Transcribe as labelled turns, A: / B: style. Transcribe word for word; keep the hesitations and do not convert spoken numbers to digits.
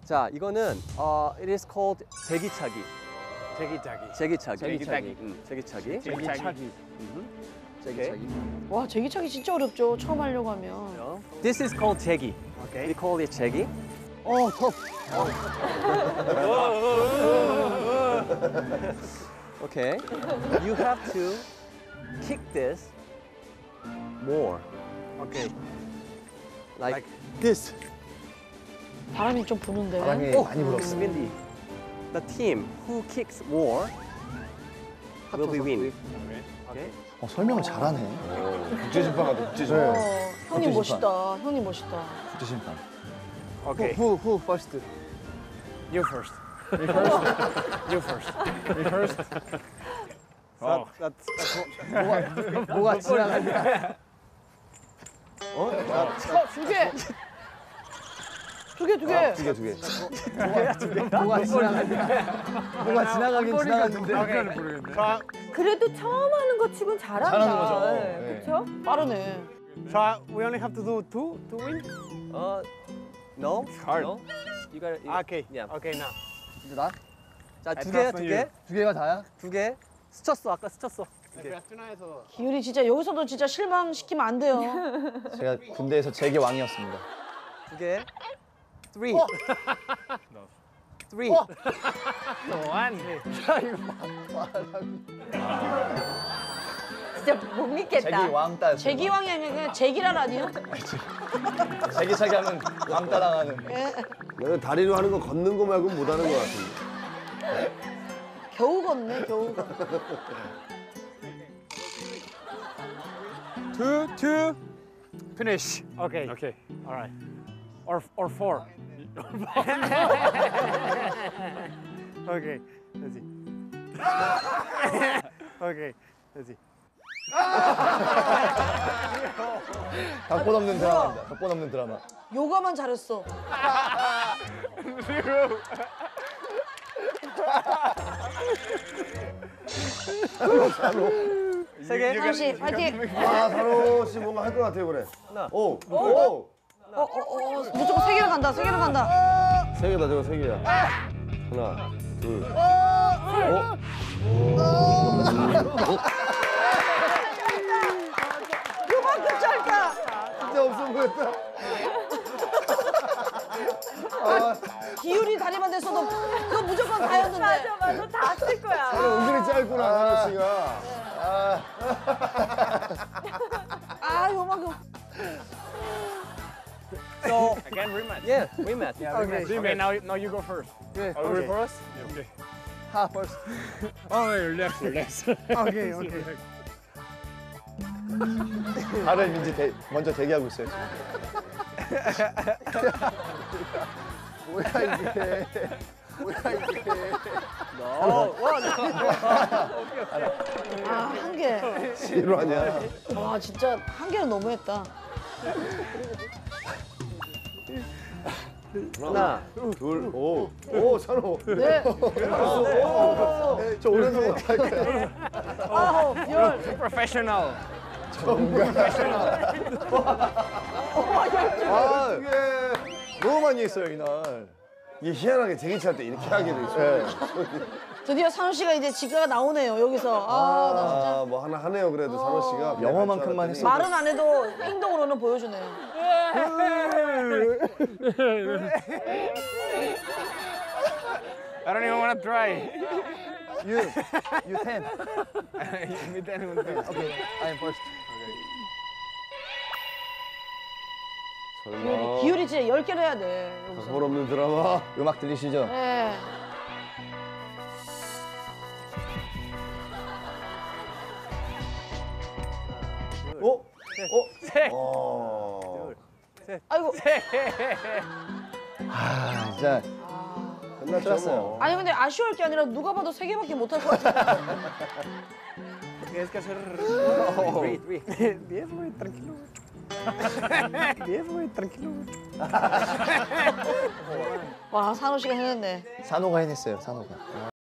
A: 자, 이거는 어, it is called 제기차기.
B: 제기차기.
A: 제기차기.
B: 제기차기.
A: 음, 제기차기.
B: 제기차기.
A: 음, 제기차기.
C: 와, 제기차기 진짜 어렵죠. 처음 하려고 하면.
A: This is called 제기.
B: 오케이.
A: We call it 제기.
C: 어, 더.
A: Okay. You have to kick this more.
B: 오케이.
A: Like,
B: Like
A: this.
C: 바람이 좀 부는데.
D: 바람이
A: 오,
D: 많이 불었어.
A: windy. The team who kicks more will be win. Okay.
D: 어, 설명을 잘하네.
E: 국제심판 같아,
C: 어,
E: 국제심판.
C: 형님
D: 어떤
C: 멋있다. 형님 멋있다.
D: 국제심판.
B: 오케이.
D: Who, who first?
B: You first. You first. You first. You first. Oh. That's, that's
D: 뭐가, 뭐가 지나가냐?
A: 어?
C: 두 개. 두 개, 두 개.
E: 두 개, 두 개.
D: 뭐가 지나가냐? 뭐가 지나가긴 지나갔는데.
B: 자,
F: 그래도 처음 하는 거 치곤 잘한다.
D: 잘하는 거죠.
F: 네,
D: 네.
F: 그렇죠?
C: 빠르네.
B: 자, we only have to do two to win.
A: Uh, no.
B: hard.
A: No. You gotta. You,
B: Okay.
A: Yeah.
B: Okay, now.
D: 이제 나?
A: 자, 두
B: I
A: 개,
B: trust
A: 두
B: on
A: 개,
B: you.
D: 두 개가 다야?
A: 두 개. 스쳤어. 아까 스쳤어.
B: 베트남에서
C: 기율이 진짜 여기서도 진짜 실망시키면 안 돼요.
D: 제가 군대에서 제게 왕이었습니다.
A: 두 개. Three. Three.
B: one.
F: 진짜 못 믿겠다.
D: 제기 왕따였어요.
C: 제기왕이 아니라 그냥 제기랄 아니에요?
D: 제기 차기 하면 왕따 당하는.
E: 나는 다리로 하는 거 걷는 거 말고 못 하는 거 같은데.
C: 겨우 걷네, 겨우 걷.
B: Two, two. Finish. Okay. Okay. All right. Or or four. Okay. Let's see. Okay. Let's see.
D: 각본 없는 드라마입니다. 각본 없는 드라마.
C: 요가만 잘했어.
A: 세 개.
C: 상우 씨, 파이팅.
E: 아, 산호 씨 뭔가 할 것 같아요, 이번에.
A: 하나.
E: 오, 오.
C: 어, 어, 어, 무조건 세 개를 간다, 세 개를 간다.
E: 세 개다, 저거 세 개야. 하나, 둘.
C: 요만큼 짧다.
E: 진짜 없어 보였다.
C: 기율이 다리만 됐어도 그거 무조건 다였는데.
F: 맞아, 맞아. 다 쓸 거야.
E: 은근히 짧구나, 산호 씨가. 아,
C: 아, 요만큼.
A: So
B: Again, rematch.
A: yeah, rematch.
B: Yeah, rematch. Okay, now now you go first.
D: 네.
B: Are you ready for us? Okay.
D: 하, first.
B: Oh, your left, your left. Okay, okay.
D: 다른 민지 대, 먼저 대기하고 있어요. 지금. 뭐야 이게? 뭐야 이게?
A: No. One.
C: 아, 한 개.
E: 실화냐?
C: 와, 진짜 한 개는 너무했다.
A: 하나.
E: 둘, 오. 오, 산호.
C: 네.
E: 저 오른손 못할 거야.
C: 아홉, 열.
B: Professional.
D: 아, 너무 많이 했어요 이날.
E: 이게 희한하게 제기차 때 이렇게 하게 돼 있어.
C: 드디어 산호 씨가 이제 지가가 나오네요, 여기서. 아, 나 진짜.
E: 아, 뭐 하나 하네요, 그래도 산호 씨가.
D: 영어만큼만 했어.
C: 말은 안 해도 행동으로는 보여주네요.
B: I don't even want to try.
D: You, you ten.
B: Me ten, me ten.
D: Okay, I am first.
E: 설마.
C: 기율이 진짜 열 개를 해야 돼, 여기서.
E: 각본 없는 드라마.
D: 음악 들리시죠?
C: 네.
E: 어? 어?
A: 셋.
E: 어.
C: 아이고.
D: 아, 진짜
E: 끝났죠,
D: 끝났어요.
E: 뭐.
C: 아니, 근데 아쉬울 게 아니라 누가 봐도 세 개밖에 못 할 것 같아.
B: Tienes que hacer
A: Three, three.
B: diez, güey, tranquilo. diez, güey, tranquilo.
C: 와, 산호 씨가 해냈네.
D: 산호가 해냈어요, 산호가.